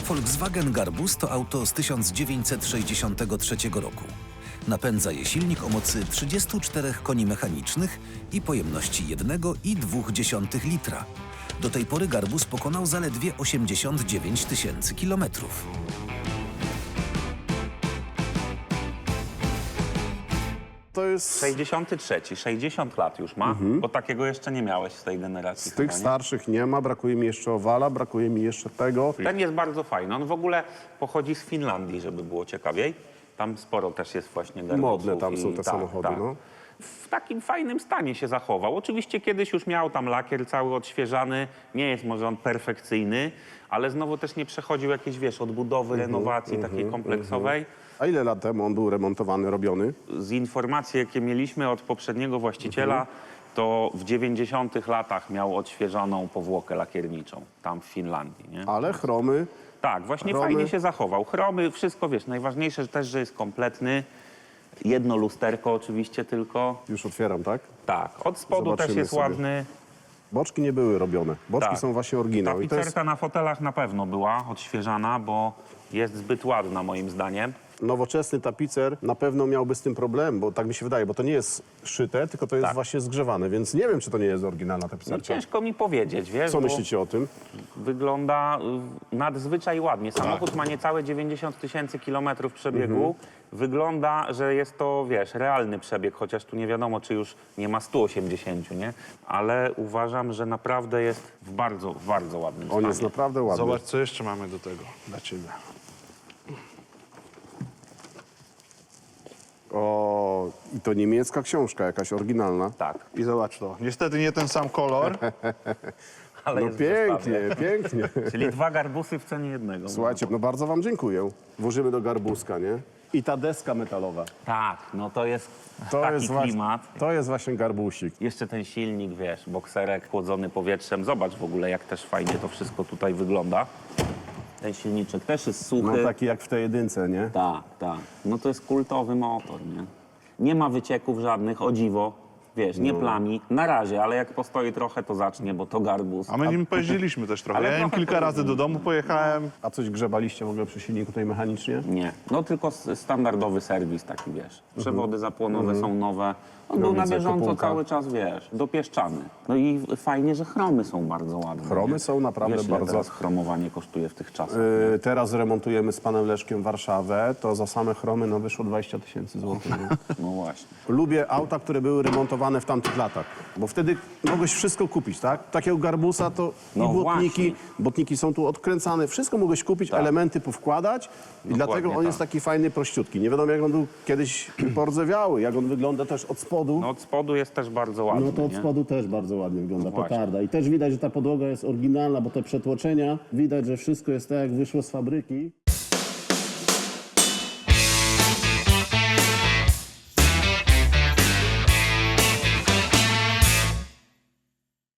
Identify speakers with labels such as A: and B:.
A: Volkswagen Garbus to auto z 1963 roku. Napędza je silnik o mocy 34 koni mechanicznych i pojemności 1,2 litra. Do tej pory Garbus pokonał zaledwie 89 000 kilometrów.
B: To jest
C: 63, 60 lat już ma, bo takiego jeszcze nie miałeś z tej generacji.
B: z tych
C: chyba, nie?
B: starszych nie ma, brakuje mi jeszcze owala, brakuje mi jeszcze tego.
C: Ten jest bardzo fajny. On w ogóle pochodzi z Finlandii, żeby było ciekawiej. Tam sporo też jest właśnie Garbusów.
B: Modne tam są
C: i
B: te samochody, no.
C: W takim fajnym stanie się zachował. Oczywiście kiedyś już miał tam lakier cały odświeżany. Nie jest może on perfekcyjny, ale znowu też nie przechodził jakiejś, wiesz, odbudowy, renowacji takiej kompleksowej.
B: A ile lat temu on był remontowany, robiony?
C: Z informacji, jakie mieliśmy od poprzedniego właściciela, to w 90 latach miał odświeżoną powłokę lakierniczą tam w Finlandii, nie?
B: Ale chromy,
C: Tak, właśnie
B: chromy.
C: fajnie się zachował. Chromy, wszystko, wiesz, najważniejsze też, że jest kompletny. Jedno lusterko oczywiście tylko.
B: już otwieram, tak?
C: Tak, od spodu też
B: Zobaczymy
C: jest
B: sobie.
C: ładny.
B: Boczki nie były robione. Boczki
C: Tak.
B: są właśnie oryginał. I to jest
C: Tapicerka na fotelach na pewno była odświeżana, bo jest zbyt ładna moim zdaniem.
B: nowoczesny tapicer, na pewno miałby z tym problem, bo tak mi się wydaje, bo to nie jest szyte, tylko to jest
C: Tak.
B: właśnie zgrzewane, więc nie wiem, czy to nie jest oryginalna
C: No
B: tapicerka.
C: ciężko mi powiedzieć, wiesz,
B: Co
C: bo
B: myślicie o tym?
C: wygląda nadzwyczaj ładnie. Samochód ma niecałe 90 000 kilometrów przebiegu. Wygląda, że jest to, wiesz, realny przebieg, chociaż tu nie wiadomo, czy już nie ma 180, nie? Ale uważam, że naprawdę jest w bardzo, bardzo ładnym
B: On
C: stanie.
B: jest naprawdę ładny.
D: Zobacz, co jeszcze mamy do tego dla ciebie.
B: O, i to niemiecka książka, jakaś oryginalna.
C: Tak,
D: I zobacz to. Niestety nie ten sam kolor.
C: ale
B: No
C: jest w zestawie.
B: pięknie, pięknie.
C: Czyli 2 garbusy w cenie jednego.
B: Słuchajcie, no bardzo wam dziękuję. Włożymy do garbuska, nie? I ta deska metalowa.
C: Tak, no to jest
B: To
C: taki
B: jest,
C: klimat.
B: to jest właśnie garbusik.
C: Jeszcze ten silnik, wiesz, bokserek chłodzony powietrzem. Zobacz w ogóle, jak też fajnie to wszystko tutaj wygląda. Ten silniczek też jest
B: No
C: suchy.
B: taki jak w tej jedynce, nie?
C: Tak, tak. No to jest kultowy motor, nie? Nie ma wycieków żadnych, o dziwo. Wiesz,
B: No.
C: nie plami. Na razie, ale jak postoi trochę, to zacznie, bo to garbus.
D: A my nim pojeździliśmy też trochę.
C: Ale
D: Ja nim
C: trochę
D: kilka razy do domu pojechałem.
B: A coś grzebaliście w ogóle przy silniku tutaj mechanicznie?
C: Nie, no tylko standardowy serwis taki, wiesz. Przewody zapłonowe są nowe. On
B: No
C: był na
B: widzę,
C: bieżąco
B: kopułka.
C: cały czas, wiesz, dopieszczany. No i fajnie, że chromy są bardzo ładne.
B: Chromy
C: nie?
B: są naprawdę
C: wiesz, ile
B: bardzo-
C: teraz chromowanie kosztuje w tych czasach.
B: Teraz remontujemy z panem Leszkiem Warszawę, to za same chromy no wyszło 20 000 złotych. nie?
C: No właśnie.
B: Lubię auta, które były remontowane w tamtych latach, bo wtedy mogłeś wszystko kupić, tak? Takiego garbusa to
C: No
B: i błotniki,
C: właśnie.
B: błotniki są tu odkręcane, wszystko mogłeś kupić, elementy powkładać i dlatego on
C: tak.
B: jest taki fajny, prościutki. Nie wiadomo jak on był kiedyś pordzewiały, jak on wygląda też od spodu.
C: No od spodu jest też bardzo ładny,
B: No to od
C: nie?
B: spodu też bardzo ładnie wygląda,
C: No właśnie.
B: petarda. I też widać, że ta podłoga jest oryginalna, bo te przetłoczenia, widać, że wszystko jest tak, jak wyszło z fabryki.